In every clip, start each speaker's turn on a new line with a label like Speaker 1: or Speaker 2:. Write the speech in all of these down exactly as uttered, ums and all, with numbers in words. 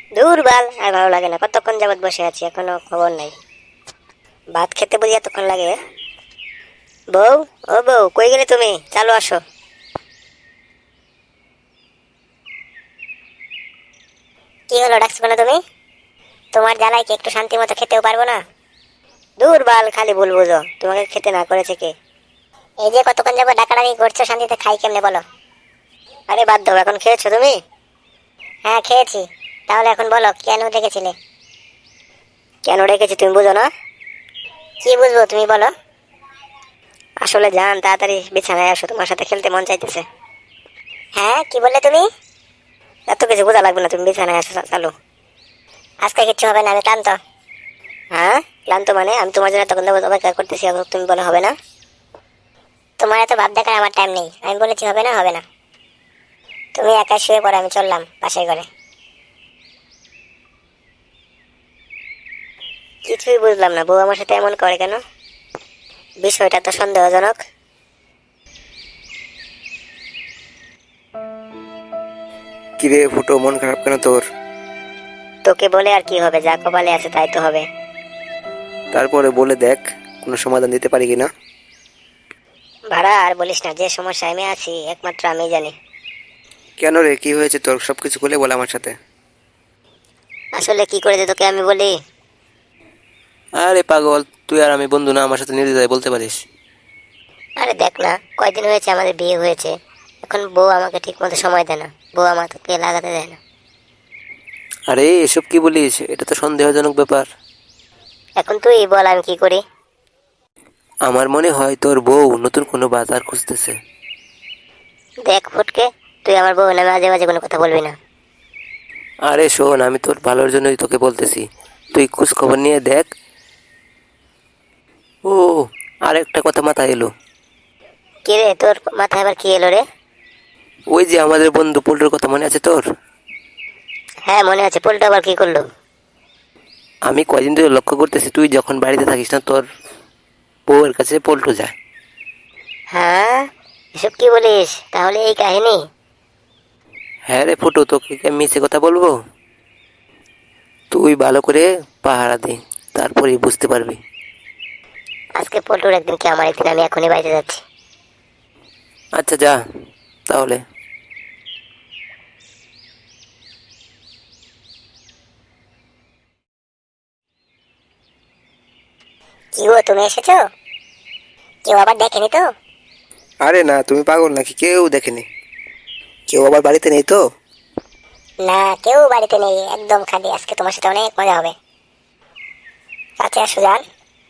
Speaker 1: দূর বাল, আর ভালো লাগে না। কতক্ষণ যাবত বসে আছি, এখনো খবর নাই। ভাত খেতে বুঝি এতক্ষণ লাগে? বউ, ও বউ, কই গেলে তুমি? চালো আসো। কি হলো, ডাকছো কেন তুমি? তোমার জ্বালায় কি একটু শান্তি মতো খেতেও পারবো না? দূর বাল, খালি ভুল বুঝো। তোমাকে খেতে না করেছে কে? এই যে কতক্ষণ যাবো ডাকাডাকি করছো, শান্তিতে খাই কেমনে বলো? আরে বাদ দাও, এখন খেয়েছো তুমি? হ্যাঁ খেয়েছি। তাহলে এখন বলো, কেন ডেকেছিলে? কেন ডেকেছি তুমি বুঝো না? কি বুঝবো, তুমি বলো। আসলে জান, তাড়াতাড়ি বিছানায় আসো, তোমার সাথে খেলতে মন চাইতেছে। হ্যাঁ, কি বললে তুমি? এত কিছু বোঝা লাগবে না, তুমি বিছানায় আসো, চালু। আজকে কিচ্ছু হবে না, আমি ক্লান্ত। হ্যাঁ, ক্লান্ত মানে? আমি তোমার জন্য তখন দেবো, অপেক্ষা করতেছি, এখন তুমি বলো হবে না। তোমার এত ভাব দেখার আমার টাইম নেই। আমি বলেছি হবে না, হবে না। তুমি একা শুয়ে পড়ো, আমি চললাম পাশের ঘরে। কিছুই বুঝলাম না, বউ আমার সাথে এমন করে কেন? বিষয়টা তো সন্দেহজনক।
Speaker 2: কিরে ফুটো, মন খারাপ কেন তোর?
Speaker 1: তোকে বলে আর কি হবে, যা কপালে আছে তাই তো হবে।
Speaker 2: তারপরে বলে দেখ, কোনো সমাধান দিতে পারি কিনা।
Speaker 1: ভাড়া আর বলিস না, যে সমস্যায় আমি আছি একমাত্র আমি জানি।
Speaker 2: কেন রে, কি হয়েছে তোর? সবকিছু খুলে বল আমার সাথে।
Speaker 1: আসলে কি করে যে তোকে আমি বলি।
Speaker 2: আরে পাগল, তুই আর আমি বন্ধু না? আমার সাথে নির্দ্বিধায় বলতে পারিস।
Speaker 1: আরে দেখ না, কয়দিন হয়েছে আমাদের বিয়ে হয়েছে, এখন বউ আমাকে ঠিক মতো সময় দেয় না, বউ আমাকে লাগাতে দেয় না।
Speaker 2: আরে এসব কি বলিস? এটা তো সন্দেহজনক ব্যাপার।
Speaker 1: এখন তুই বল আমি কি করি।
Speaker 2: আমার মনে হয় তোর বউ নতুন কোনো বাজার খুঁজতেছে।
Speaker 1: দেখ ফুটকে, তুই আমার বউ নামে মাঝে মাঝে কোনো কথা বলবি না।
Speaker 2: আরে শোন, আমি তোর ভালোর জন্যই তোকে বলতেছি। তুই খোঁজ খবর নিয়ে দেখ। ও, আর একটা কথা মাথায় এলো।
Speaker 1: কি রে, তোর মাথায় আবার কি এলো রে?
Speaker 2: ওই যে আমাদের বন্ধু পল্টুর কথা মনে আছে তোর?
Speaker 1: হ্যাঁ মনে আছে, পোলটা আবার কি করলো?
Speaker 2: আমি কয়দিন ধরে লক্ষ্য করতেছি, তুই যখন বাড়িতে থাকিস না, তোর বউয়ের কাছে পল্টু যায়।
Speaker 1: হ্যাঁ, এসব কি বলিস? তাহলে এই কাহিনী?
Speaker 2: হ্যাঁ রে ফুটু, তোকে কি আমি মিছে কথা বলবো? তুই ভালো করে পাহারা দে, তারপরেই বুঝতে পারবি।
Speaker 1: আজকে পল্টুর একদিন কি আমার একদিন, আমি এখনই বাড়িতে যাচ্ছি।
Speaker 2: আচ্ছা যা তাহলে।
Speaker 1: কি গো, তুমি এসেছো? কেউ আবার দেখেনি তো?
Speaker 2: আরে না, তুমি পাগল নাকি? কেউ দেখেনি। কেউ আবার বাড়িতে নেই তো?
Speaker 1: না, কেউ বাড়িতে নেই, একদম খালি। আজকে তোমার সাথে অনেক মজা হবে। কাছে আসো যান।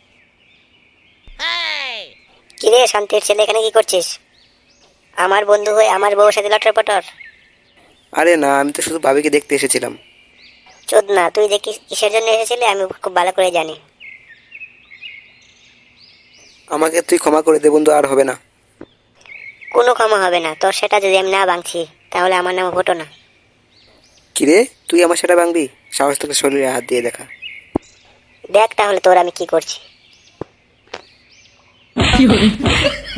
Speaker 1: কি রে শান্তির ছেলে, এখানে কি করছিস? আমার বন্ধু হয়ে আমার বউর সাথে লটর পটর?
Speaker 2: আরে না, আমি তো শুধু ভাবিকে দেখতে এসেছিলাম।
Speaker 1: চোদ না, তুই যে কি- কিসের জন্য এসেছিলি আমি খুব ভালো করে জানি।
Speaker 2: আমাকে তুই ক্ষমা করে দে বন্ধু, আর হবে না।
Speaker 1: কোনো ক্ষমা হবে না তোর, সেটা যদি আমি না ভাঙছি তাহলে আমার নাম ভোটো না।
Speaker 2: কিরে, তুই আমার সেটা ভাঙবি? সাহস থেকে শরীরে হাত দিয়ে দেখা।
Speaker 1: দেখ তাহলে তোর আমি কি করছি।